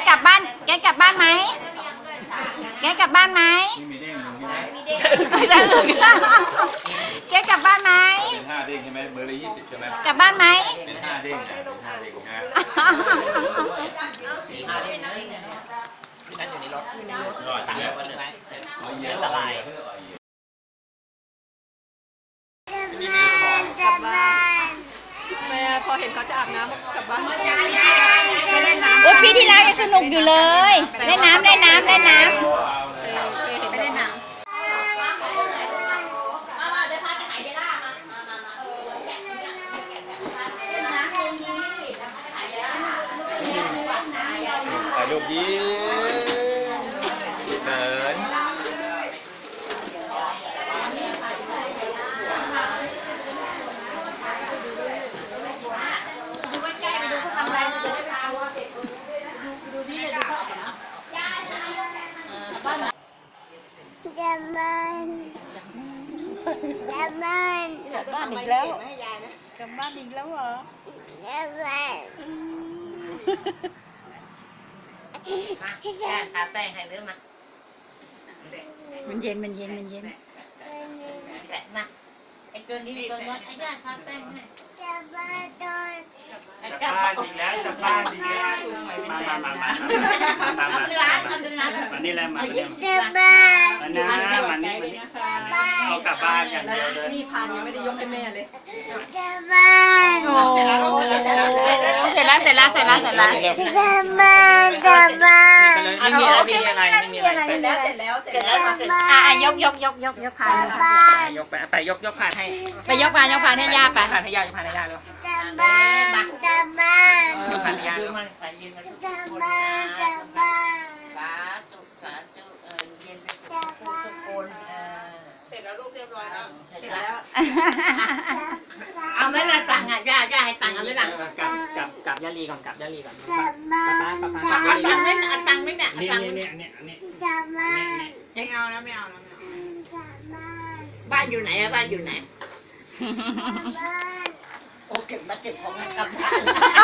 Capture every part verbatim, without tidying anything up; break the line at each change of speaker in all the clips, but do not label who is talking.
กลับบ้านแกกลับบ้านไหมแกกลับบ้านไหม
มีเด้งมีเด้ง
จะอึกแกกลับบ้านไหม
เป็นห้าเด้งใช่ไหมเบอร์ละยี่สิบใช่ไหม
กลับบ้านไหม
เป็นห้าเด้งนะเป็นห้าเด้งนะ
สี่ห้าเด้งนะที่นั่นอยู่ในรถตังค์ทิ้งไว้อันตราย
กลับบ้านแม่พอเห็นเขาจะอาบน้ำกลับบ้าน
โอ้พี่ที่แล้วยังสนุกอยู่เลยเล่นน้ำเล่นน้ำเล่นน้ำ
เคยเห็นเล่นน้ำ
ถ่ายรูปยิ้มเดิน
กลับบ้านกลับบ้านกลับบ้านอีกแล้วกลับบ้านอีกแล้วเหรอกลับบ้าน
ย่าทาแป้งให้หรือมา
มันเย็นมันเย็นมันเย็น
แหละมาไอ้ตัวนี้ตัวนั้นไอ้ย่าทาแป้งให้
กลับบ้านตอน
กลับบ้านอีกแล้วกลับบ้านอีกแล้วมามามามามามามานี่แหละมาเนี่ย
กลับบ้าน
มานะมานี่มานี่เอากลับบ้านอย่างเดียวเลย
นี่พานยังไม่ได้ยกให้แม่เลยกลับบ้าน
โอ้เสร็จแล้วเสร็จแล้วเสร็จแล้วเสร็จแล้ว
กลับบ้านกลับบ้าน
ไม่มีอะไรไม่มีอะไรไม่มีอะไร
เสร็จแล้วเสร็จแล้วเสร็จแล้วเสร็จแล้ว
อ่ะยกยกยกยกยกพาน
ยกไปไปยกยกผ่านให้
ไปยกพานยกพานให้ย่าไป
ผ่านให้ย่ายกผ่านให้ย่าเลย
กลับบ้านกลับบ้าน
ยกผ่านให้ย่าเลย
กลับบ้านกลับบ้าน
สาธุสาธุเออเย็นไปสุขทุกคนเสร็จแล้วลูกเรียบร้อยแล้วเสร็จแล้วเอาไหมล่ะตังค์อ่ะย่าย่าให้ตังค์เอาไหมล่ะกับกับกับย่าลีก่อนกับย่าลีก่อน
กลับบ้าน
กับกับกับตังค์ไม่เอาตังค์ไม่เนี่ย
นี่นี่นี่นี่นี่
กลับบ้าน
ไม่เอาแล้วไม่เอาแล้วไม่เอา
กลับบ้าน
บ้านอยู่ไหนอะบ้านอยู่ไหน
บ้าน
โอ้เก็บมาเก็บของกลับบ้าน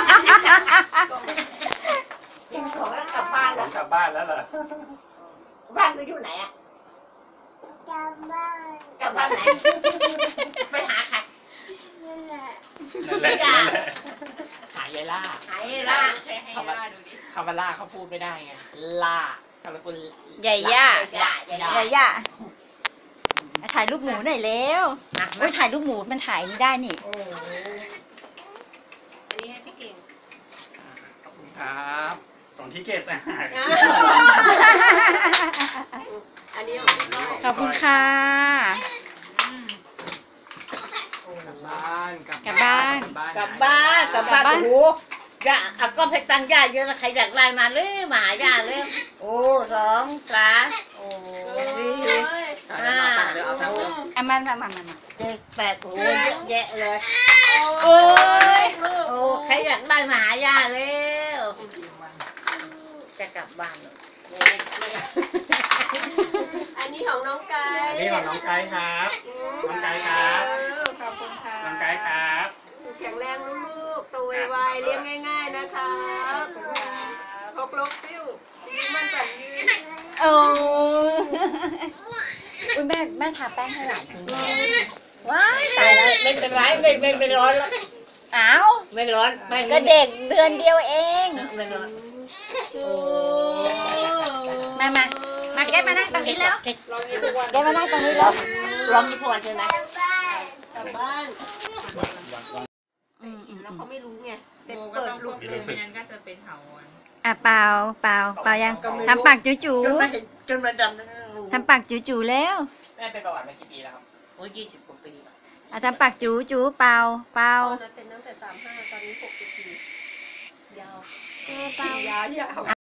เก็บของแล้วกลับบ้านแล้ว
กลับบ้านแล้วเหรอ
บ้านก็อยู่ไหนอะ
กลับบ้าน
กลับบ้านไหนไปหาใคร
นั่นแหละ
นั่นแหละนั่นแหละ
หายายล่าหายายล่าคำว่าคำว่าล่าเขาพูดไม่ได้ไงล่าคำว่าคุณ
ใหญ่ย่า
ใหญ่
ใหญ่ย่าถ่ายรูปหมูหน่อยเร็วโอ้ยถ่ายรูปหมูมันถ่ายนี่ได้นี่
อันนี้ให้พี่เก่ง
ขอบคุณครับ
ของที่เกตนะ
อันนี้
ขอบคุณค่ะ
กลับบ้าน
กลับบ้าน
กลับบ้านกลับบ้านโอ้โหย่าเอาก็ให้ตังค์ย่าเยอะนะใครอยากไล่มาเลยมาหาย่าเลยโอ้สองสามโอ้สี่ห้า
อ่ะมันมามามา
เจ็ดแปดโอ้เยอะแยะเลย
โอ้ย
โอ้ใครอยากได้มาหาย่าเร็วจะกลับบ้าน
อันนี้ของน้องไก่
อันนี้ของน้องไก่ครับน้องไก่ครับ
ขอบคุณค่ะ
น้องไก่ครับ
แข็งแรงลูกๆโตไวๆเลี้ยงง่ายๆนะครับพกลกซิ่วมันแบบยืน
โอ้คุณแม่แม่ทาแป้งให้หลานจริงว้ายตายแล้ว
ไม่เป็นไรไม่ไม่ไม่ร้อนแล้ว
อ้าว
ไม่ร้อน
ก็เด็กเดือนเดียวเอง
ไม่ร้อน
มามามาแกมานั่งตรงนี้แล้วแกมานั่งตรงนี้แล้ว
ร้องกี่วันใช่ไหม
กลับบ้านแล้วเขาไม่รู้ไงเด็กเปิดลูกเลย
ไม่งั้นก็จะเป็นเถาวัน
อ่ะเปล่าเปล่าเปล่ายังทำปากจู่จู่
จนมาดำ
ทำปากจู่จู่แล้ว
แม่เป็นประวัติมากี่ปีแล้วครับโอ้ยยี่สิบกว่าปี
อ่ะทำปากจู่จู่เปล่าเปล่า
เป็นตั้งแต่สามห้าตอนนี้หกสิบสี่ยาวยาวยาว